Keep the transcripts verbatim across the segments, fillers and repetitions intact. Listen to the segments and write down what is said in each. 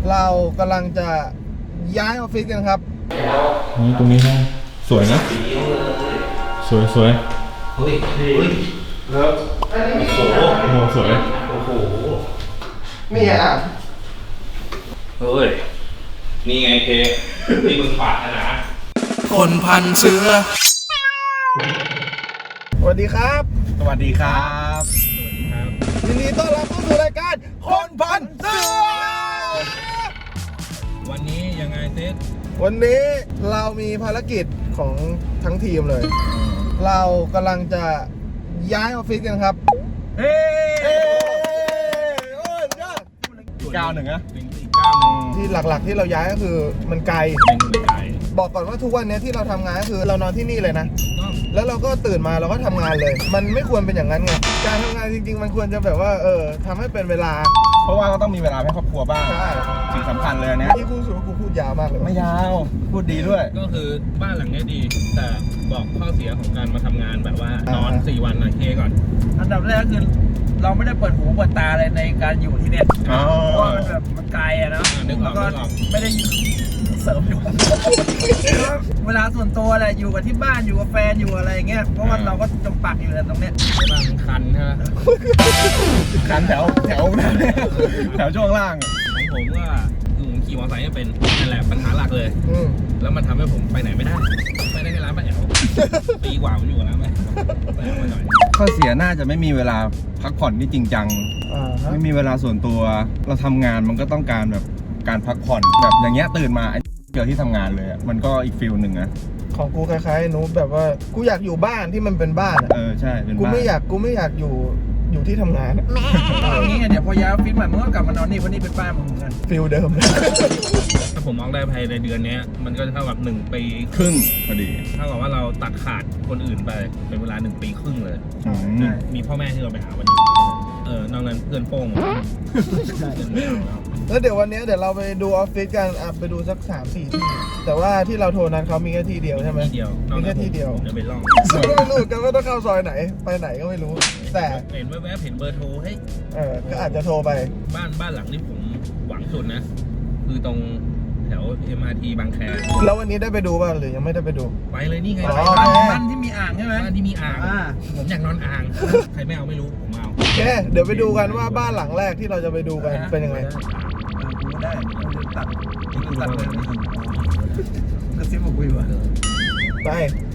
เรากำลังจะย้ายออฟฟิศกันครับตรงนี้ห้องสวยนะสวยสวยเฮ้ยเฮ้ยแล้วโอ้โหโอ้โหสวยโอ้โหมีอ่ะเฮ้ยนี่ไงเพที่มึงปาดนะคนพันเสือสวัสดีครับสวัสดีครับสวัสดีครับยินดีต้อนรับเข้าสู่รายการคนพันเสือวันนี้ยังไงเซตวันนี้เรามีภารกิจของทั้งทีมเลย เรากำลังจะย้ายออฟฟิศกันครับเฮ้โอ้ยยอดเก้าหนึ่งนะเป็นอีกเก้าหนึ่งที่หลักๆที่เราย้ายก็คือมันไกลเป็นไกลบอกก่อนว่าทุกวันนี้ที่เราทำงานก็คือเรานอนที่นี่เลยนะแล้วเราก็ตื่นมาเราก็ทำงานเลยมันไม่ควรเป็นอย่างนั้นไงการทำงานจริงๆมันควรจะแบบว่าเออทำให้เป็นเวลาเพราะว่าก็ต้องมีเวลาให้ครอบครัวบ้างใช่สิ่งสำคัญเลยนะที่กูสูกูพูดยาวมากเลยไม่ยาวพูดดีด้วยก็คือบ้านหลังนี้ดีแต่บอกข้อเสียของการมาทำงานแบบว่านอนสี่วันนะเคก่อนอันดับแรกคือเราไม่ได้เปิดหูเปิดตาเลยในการอยู่ที่เนี่ยเพราะว่ามันแบบมันไกลอะนะแล้วก็ไม่ได้เสริมอยู่เวลาส่วนตัวแหละอยู่กับที่บ้านอยู่กับแฟนอยู่อะไรเงี้ยเพราะว่าเราก็จมปักอยู่ในตรงเนี้ยบ้านมันคันใช่ไหมคันแถวแถวแถวช่วงล่างของผมก็ผมขี่มอเตอร์ไซค์เป็นนั่นแหละปัญหาหลักเลยแล้วมันทำให้ผมไปไหนไม่ได้ไปได้แค่ร้านป้าแอ๋วปีกว่าผมอยู่กับร้านป้าแอ๋วไปหน่อยข้อเสียน่าจะไม่มีเวลาพักผ่อนที่จริงจังไม่มีเวลาส่วนตัวเราทำงานมันก็ต้องการแบบการพักผ่อนแบบอย่างเงี้ยตื่นมาเจอที่ทำงานเลยมันก็อีกฟิลหนึ่งนะของกูคล้ายๆหนูแบบว่ากูอยากอยู่บ้านที่มันเป็นบ้านเออใช่เป็นบ้านกูไม่อยากกูไม่อยากอยู่อยู่ที่ทำงานอย่างนี้เดี๋ยวพอย้ายออฟฟิศใหม่มึงก็กลับมานอนนี่เพราะนี่เป็นบ้านมึงเหมือนกันฟิลเดิมถ้าผมมองได้ภายในเดือนนี้มันก็จะเท่ากับหนึ่งปีครึ่งพอดีเท่ากับว่าเราตัดขาดคนอื่นไปเป็นเวลาหนึ่งปีครึ่งเลยมีพ่อแม่ที่เราไปหาวันนี้เออนอกนั้นเพื่อนโป้งแล้วเดี๋ยววันนี้เดี๋ยวเราไปดูออฟฟิศกันอ่ะไปดูสักสามสี่ที่แต่ว่าที่เราโทรนั้นเขามีแค่ที่เดียวใช่ไหมที่เดียวมีแค่ที่เดียวจะไปล่องซึ่งก็ไม่รู้กันว่าต้องเข้าซอยไหนไปไหนก็ไม่รู้แต่เห็นแวบๆเห็นเบอร์โทรให้เออก็อาจจะโทรไปบ้านบ้านหลังที่ผมหวังสุดนะคือตรงแถว เอ็ม อาร์ ที บางแคแล้ววันนี้ได้ไปดูป่ะหรือยังไม่ได้ไปดูไปเลยนี่ไงบ้านที่มีอ่างใช่ไหมบ้านที่มีอ่างผมอยากนอนอ่างใครไม่เอาไม่รู้ผมเอาโอเคเดี๋ยวไปดูกันว่าบ้านหลังแรกที่เราจะไปดูกันเป็นยังไงได้ตัดตัดเลยก็ซิบอกคุยว่ะไป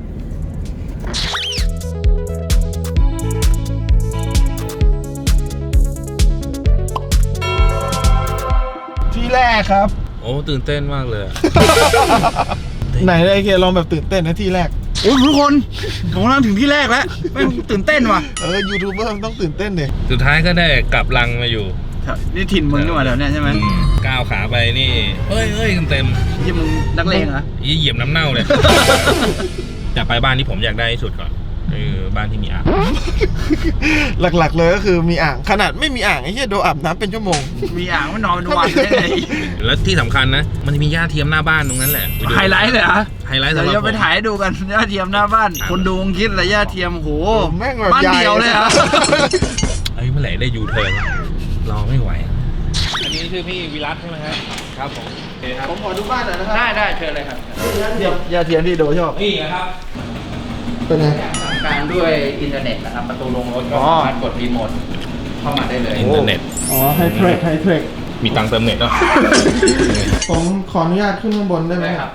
ที่แรกครับโอ้ตื่นเต้นมากเลยไหนไอ้เคลองแบบตื่นเต้นนะที่แรกโอ้ทุกคนของเราถึงที่แรกแล้วไม่ตื่นเต้นว่ะเออยูทูบเบอร์ต้องตื่นเต้นเลยสุดท้ายก็ได้กลับรังมาอยู่นี่ถิ่นมึงนี่หว่าเดี๋ยวนี้ใช่ไหมก้าวขาไปนี่เฮ้ยเฮ้ยเต็มยี่มึงนักเลงเหรอยี่เหยียบน้ำเน่าเลยจะไปบ้านที่ผมอยากได้ที่สุดก่อนคือบ้านที่มีอ่างหลักๆเลยก็คือมีอ่างขนาดไม่มีอ่างไอ้เหี้ยโดนอาบน้ำเป็นชั่วโมงมีอ่างมันนอนเป็นวันได้ไงแล้วที่สำคัญนะมันจะมีหญ้าเทียมหน้าบ้านตรงนั้นแหละไฮไลท์เลยอ่ะไฮไลท์สำหรับผมเราไปถ่ายดูกันหญ้าเทียมหน้าบ้านคนดูคิดอะไรหญ้าเทียมโหแม่งแบบบ้านเดียวเลยอ่ะเฮ้ยเมื่อไหร่ได้ยูเทิร์นรอไม่ไหวอันนี้ชื่อพี่วิรัตใช่ไหมครับครับผมผมขอดูบ้านหน่อยนะครับได้ได้เชิญเลยครับยาเทียมที่โดชอบนี่นะครับเป็นไงสั่งการด้วยอินเทอร์เน็ตนะครับประตูลงรถก็สามารถกดรีโมทเข้ามาได้เลยอินเทอร์เน็ตอ๋อไฮเทรคไฮเทรคมีตังเติมเน็ตเนาะผมขออนุญาตขึ้นข้างบนได้ไหมครับ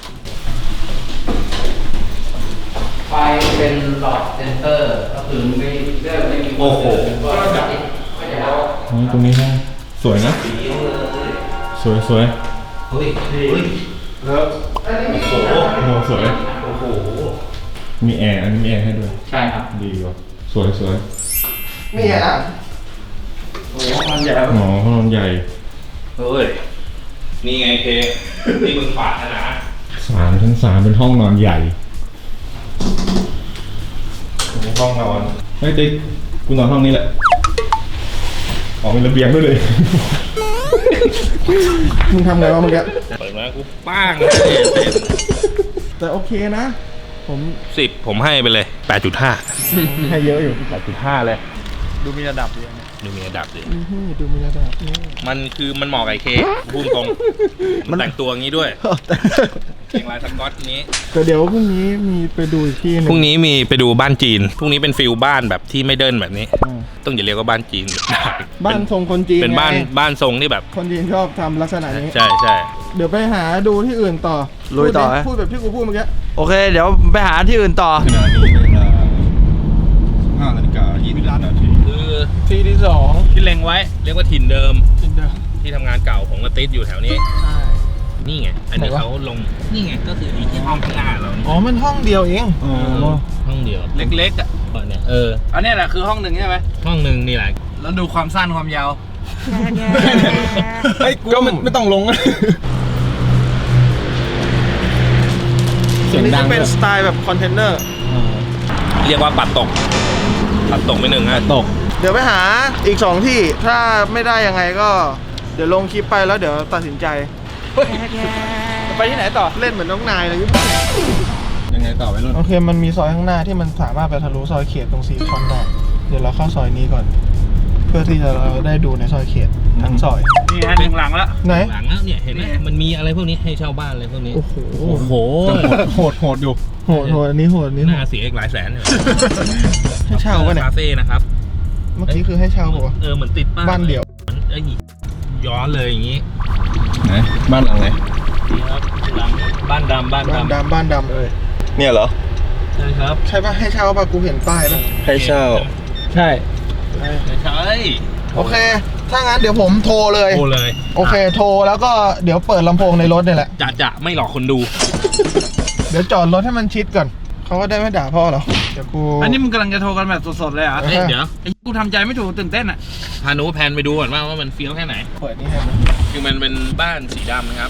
ไฟเป็นหลอดเซนเตอร์ก็คือไม่เลือกไม่มีโอ้โหตรงนี้ห้องสวยนะสวยสวยเฮ้ยเฮ้ยแล้วโอ้โหโอ้โหสวยโอ้โหมีแอร์อันนี้มีแอร์ให้ด้วยใช่ครับดีว่ะสวยสวยมีอ่ะโอ้โหห้องนอนใหญ่หมอห้องนอนใหญ่เฮ้ยนี่ไงเพที่มึงปาดนะสามทั้งสามเป็นห้องนอนใหญ่ห้องนอนเฮ้ยติ๊กกูนอนห้องนี้แหละออกเป็นระเบียงด้วยเลยมึงทำไงวะเมื่อกี้เปิดมากูป้างแต่โอเคนะผมสิบผมให้ไปเลย แปดจุดห้าให้เยอะอยู่แปดจุดห้าเลยดูมีระดับดีดูมีระดับดิดูมีระดับนี่มันคือมันเหมาะกับไอ้เคพูดตรงมันแต่งตัวอย่างนี้ด้วยเกงลายสก๊อตนี้แต่เดี๋ยวพรุ่งนี้มีไปดูอีกที่นึงพรุ่งนี้มีไปดูบ้านจีนพรุ่งนี้เป็นฟิลบ้านแบบที่ไม่เดินแบบนี้อ่าต้องอย่าเรียกว่าบ้านจีนบ้านทรงคนจีนเป็นบ้านไงบ้านทรงที่แบบคนจีนชอบทำลักษณะนี้ใช่ใช่เดี๋ยวไปหาดูที่อื่นต่อลุยต่อพูดดิพูดแบบที่กูพูดเมื่อกี้โอเค เดี๋ยวไปหาที่อื่นต่อขณะนี้เวลาห้านาฬิกายี่สิบนาทีคือที่ที่สองที่เล็งไว้เรียกว่าถิ่นเดิมจินเดอร์ที่ทำงานเก่าของกระติดอยู่แถวนี้ใช่นี่ไงอันนี้ไหนวะเขาลงนี่ไงก็คืออีที่ห้องข้างหน้าเรานี่อ๋อมันห้องเดียวเองอ๋อห้องเดียวเล็กๆอ่ะเนี่ยเอออันนี้แหละคือห้องหนึ่งใช่ไหมห้องหนึ่งนี่แหละแล้วดูความสั้นความยาวเฮ้ยก็ไม่ไม่ต้องลง เสีอัยนงนี้ดัจะงเป็นด้วยสไตล์แบบคอนเทนเนอร์เรียกว่าปัดตกปัดตกไปหนึ่งฮะตกเดี๋ยวไปหาอีกสองที่ถ้าไม่ได้ยังไงก็ เดี๋ยวลงคลิปไปแล้วเดี๋ยวตัดสินใจไปที่ไหนต่อเล่นเหมือนน้องนายเลยยังไงต่อไปรุ่นโอเคมันมีซอยข้างหน้าที่มันสามารถไปทะลุซอยเขตตรงซีคอนได้เดี๋ยวเราเข้าซอยนี้ก่อน เพื่อที่จะเราได้ดูในซอยเขตทั้งซอยนี่ฮะหนึ่งหลังแล้วไหนหลังแล้วเนี่ยเห็นไหมนี่มันมีอะไรพวกนี้ให้เช่าบ้านอะไรพวกนี้โอ้โหโอ้โหโหดโหดอยู่โหดโหดอันนี้โหดอันนี้โหน่าดเสียอีกหลายแสนเลยให้เช่าปะเนี่ยคาเฟ่นะครับเมื่อกี้คือให้เช่าปะวะเออเหมือนติดป้ายบ้านเดี่ยวมันเอ้ยย้อนเลยอย่างงี้ไหนบ้านหลังไหนนี่ครับหลังบ้านดำบ้านบ้านดำดำบ้านดำเอ้ยเนี่ยเหรอใช่ครับใช่ปะให้เช่าปะกูเห็นป้ายปะให้เช่าใช่ไม่ใช่โอเค ถ้างั้นเดี๋ยวผมโทรเลยโอ้เลยโอเค โทรแล้วก็เดี๋ยวเปิดลำโพงในรถเนี่ยแหละจะจะไม่หลอกคนดูเดี๋ยวจอดรถให้มันชิดก่อน เขาก็ได้ไม่ด่าพ่อหรอ เดี๋ยวกูอันนี้มึงกำลังจะโทรกันแบบสดๆเลยเหรอ่ะเออเอ้ยเดี๋ยวไอ้กูทำใจไม่ถูกตื่นเต้นอ่ะพาหนูแพนไปดูก่อนว่าว่ามันเฟี้ยวแค่ไหนเปิดนี่ให้มันคือมันเป็นบ้านสีดำนะครับ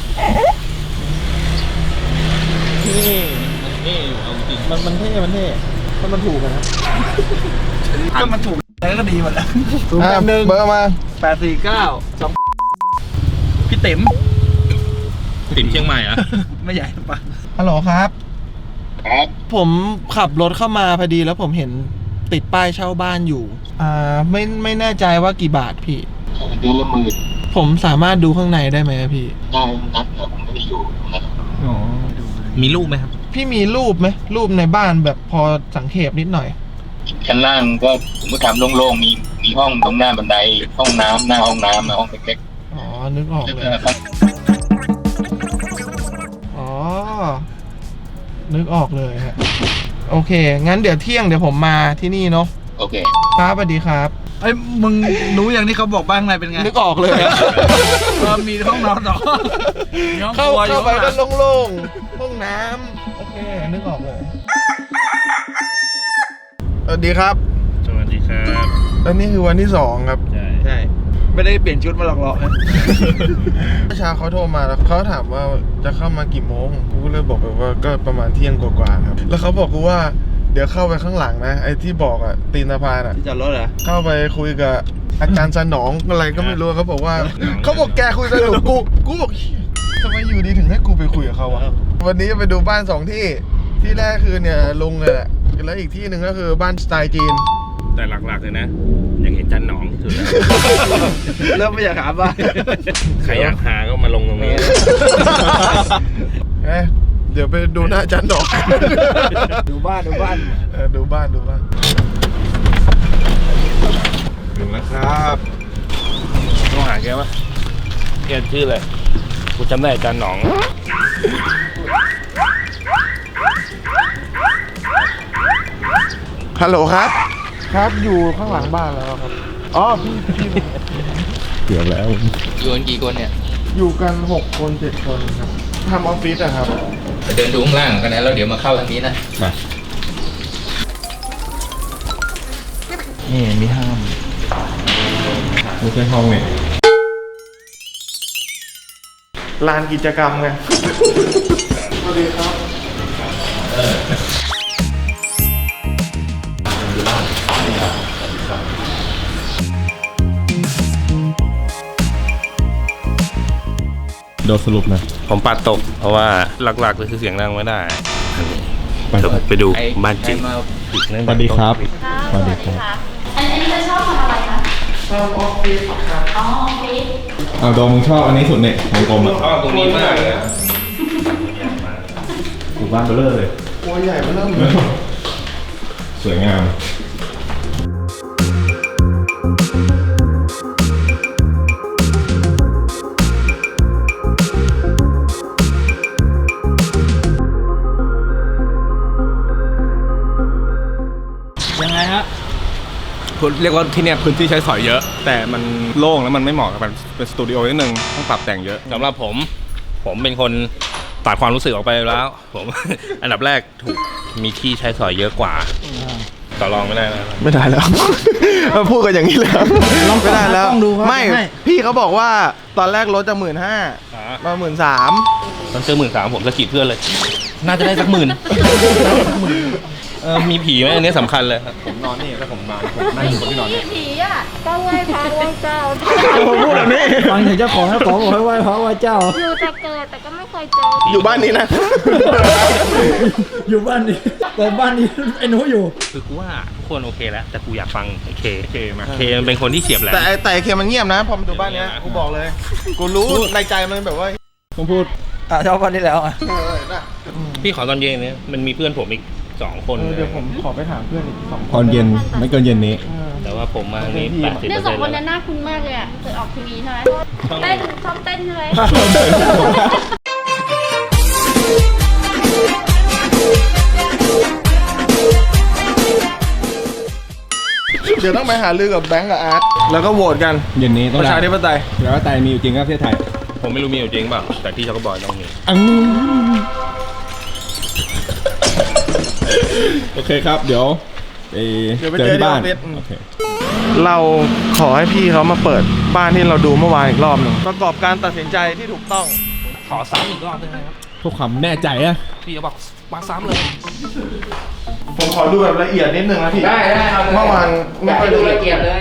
นี่มันเท่อยู่เอาจริงมันมันเท่ มันเท่ถ้ามันถูกอะนะก็มันถูกแล้วก็ดีหมดแล้วอ่ะเบอร์มาแปดสี่เก้าสองพี่ติ๋มติ่มเชียงใหม่เหรอะไม่ใหญ่ปะฮัลโหลครับ ผมขับรถเข้ามาพอดีแล้วผมเห็นติดป้ายเช่าบ้านอยู่ อ่า ไม่ไม่แน่ใจว่ากี่บาทพี่เดือนละหมื่นผมสามารถดูข้างในได้ไหมพี่ได้นัดแต่ผมไม่ได้อยู่นะอ๋อมีรูปไหมครับพี่มีรูปไหมรูปในบ้านแบบพอสังเขปนิดหน่อยชั้นล่างก็ผมก็ทำโล่งๆมีมีห้องตรงหน้าบันไดห้องน้ำหน้าห้องน้ำนะห้องเล็กอ๋อ นึกออกๆแล้วเลก็ยข้างอ๋อ นึกออกเลยฮะ โอเค งั้นเดี๋ยวเที่ยงเดี๋ยวผมมาที่นี่เนาะโอเคครับสวัสดีครับไอ้ยมึงรู้อย่างที่เขาบอกบ้างไงเป็นไงนึกออกเลยเออมีห้องนอนต่อมีห้องเข้าครัวอยู่เข้าไปข้างหก็ลังโล่งๆ ห้องน้ำโอเค นึกออกเลย สวัสดีครับสวัสดีครับอันนี้คือวันที่สองครับใช่ใช่ไม่ได้เปลี่ยนชุดมาหลอกๆนะเมื่อเช้าเขาโทรมาแล้วเขาถามว่าจะเข้ามากี่โมง กูก็เลยบอกไปว่าก็ประมาณเที่ยงกว่าๆครับ แล้วเขาบอกกูว่าเดี๋ยวเข้าไปข้างหลังนะ ไอ้ที่บอกอะตีนสะพานอะที่จอดรถเหรอเข้าไปคุยกับอาจารย์สนองอะไรก็ไม่รู้เขาบอกว่า เขาบอกแกคุยสนุกกูกูบอกเหี้ยทำไมอยู่ดีถึงให้กูไปคุยกับเขาวะวันนี้จะไปดูบ้านสองที่ที่แรกคือเนี่ยลุงเลยแหละแล้วอีกที่หนึ่งก็คือบ้านสไตล์จีนแต่หลักๆเลยนะ อยากเห็นจันหนองที่สุดแล้วเริ่มไม่อยากหาบ้านใครอยากหาก็มาลงตรงนี้เอ้ยเดี๋ยวไปดูหน้าอาจารย์หนองดูบ้านดูบ้านเออดูบ้านดูบ้านถึงแล้วครับต้องหาแกปะแกชื่ออะไรกูจำได้จันหนองฮัลโหลครับ ครับอยู่ข้างหลังบ้านแล้วครับอ๋อพี่พี่เกือบแล้วอยู่กันกี่คนเนี่ยอยู่กันหกคนเจ็ดคนครับทำออฟฟิศอะครับไปเดินดูข้างล่างกันนะแล้วเดี๋ยวมาเข้าทางนี้นะนี่มีห้ามไม่ใช่ห้องเนี่ยลานกิจกรรมไง สวัสดีครับโดนสรุปนะผมปัดตก เพราะว่าหลักๆเลยคือเสียงดังไม่ได้ไปเดี๋ยวไปดูไอ้บ้านจริงใครมาสวัสดีครับ สวัสดีครับอันนี้จะชอบทำอะไรคะสชอบออฟฟิศครับอ๋อโอเคเอาโดมมึงชอบอันนี้สุดเนี่ยวงกลมอ่ะชอบตรงนี้มากเลยอะกูบ้านเบลเลอร์เลยตัวใหญ่มาเริ่มเลยสวยงามยังไงฮะเรียกว่าที่เนี่ยพื้นที่ใช้สอยเยอะ แต่มันโล่งแล้วมันไม่เหมาะกับเป็นเป็นสตูดิโอนิดนึงต้องปรับแต่งเยอะสำหรับผม ผมเป็นคนตัดความรู้สึกออกไปแล้ว ผม อันดับแรกถูกมีที่ใช้สอยเยอะกว่าต่อรองไม่ได้แล้วไม่ได้แล้ว พูดกันอย่างนี้เลยครับไม่ได้แล้วต้องดูครับไม่ให้พี่เขาบอกว่าตอนแรกรถจะหมื่นห้ามาหมื่นสามตอนซื้อหมื่นสามผมสะกิดเพื่อนเลย น่าจะได้สักหมื่นเออมีผีไหมอันนี้สำคัญเลยครับผมนอนนี่ถ้าผมนอนผมนั่งอยู่บนที่นอนเนี่ยผีอ่ะก็ไหว้พระไหว้เจ้าผมพูดแบบนี้ฟังถึงเจ้าของเจ้าของบอกให้ไหว้พระไหว้เจ้าอยู่แต่เกิดแต่ก็ไม่เคยเจออยู่บ้านนี้นะอยู่บ้านนี้แต่บ้านนี้ไอ้หนูอยู่คือกูว่าทุกคนโอเคแล้ว แต่กูอยากฟังไอ้เคเคมาเคมันเป็นคนที่เฉียบแหลมแต่ไอ้แต่ไอ้เคมันเงียบนะ พอมาดูบ้านเนี้ยกูบอกเลย กูรู้ในใจมันแบบว่าผมพูดอ่ะชอบบ้านนี้แล้วอ่ะเออน่ะพี่ขอตอนเย็นเนี่ยมันมีเพื่อนผมอีกสองคนเออเดี๋ยวผมขอไปถามเพื่อนอีกสองตอนเย็นไม่เกินเย็นนี้แต่ว่าผมมานี่แปดสิบเนี่เปยอร์สอเซ็นงต์คนแล้วนั้นน่าคุ้นมากเลยอ่ะเคยออกทีวีใช่ไหมเต้นชอบเต้นใช่ไหมเดี๋ยวต้องไปหาลือกับแบงก์กับอาร์ตแล้วก็โหวตกันเย็นนี้ต้ปองระชาธิปไตยแล้วว่าไตยมีอยู่จริงครับประเทศไทยผมไม่รู้มีอยู่จริงเปล่าแต่ที่ช็อกโกบอยต้องมีโอเคครับ เดี๋ยวไปเดี๋ยวไปเจอเจอที่บ้านที่ออฟฟิศโอเคเราขอให้พี่เขามาเปิดบ้านที่เราดูเมื่อวานอีกรอบหนึ่งประกอบการตัดสินใจที่ถูกต้องขอซ้ำอีกรอบได้ไหมครับเพื่อความแน่ใจอะพี่จะบอกมาซ้ำเลยผมขอดูแบบละเอียดนิดนึงนะพี่ ได้ได้ครับเมื่อวานไม่ค่อยละเอียดเลย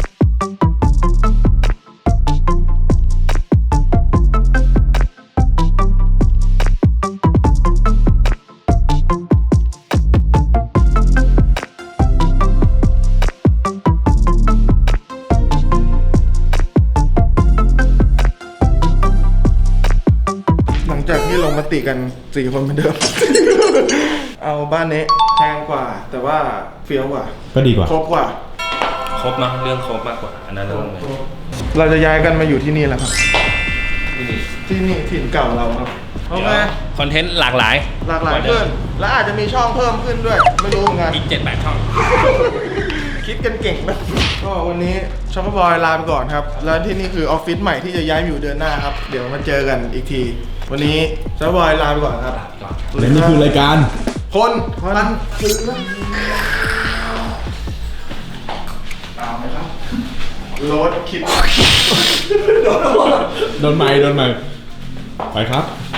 หลังจากที่ลงมติกันสี่คนเหมือนเดิม เอาบ้านนี้แพงกว่า แต่ว่าเฟี้ยวกว่าก็ดีกว่าครบกว่าครบเนอะเรื่องครบมากกว่าอันนั้นเรื่องเลยเราจะย้ายกันมาอยู่ที่นี่แล้วครับ ที่นี่ถิ่นเก่าเราครับโอเคคอนเทนต์หลากหลายหลากหลายขึ้น และอาจจะมีช่องเพิ่มขึ้นด้วย ไม่รู้เหมือนกันอีกเจ็ดแปดช่องคิดกันเก่งนะ ก็วันนี้ช็อกโกบอยลาไปก่อนครับ แล้วที่นี่คือออฟฟิศใหม่ที่จะย้ายมาอยู่เดือนหน้าครับ เดี๋ยวมาเจอกันอีกที วันนี้ช็อกโกบอยลาไปก่อนครับและนี่คือรายการคนพันซื้อตามไหมครับรถคิดโดนไม้โดนไม้ไปครับ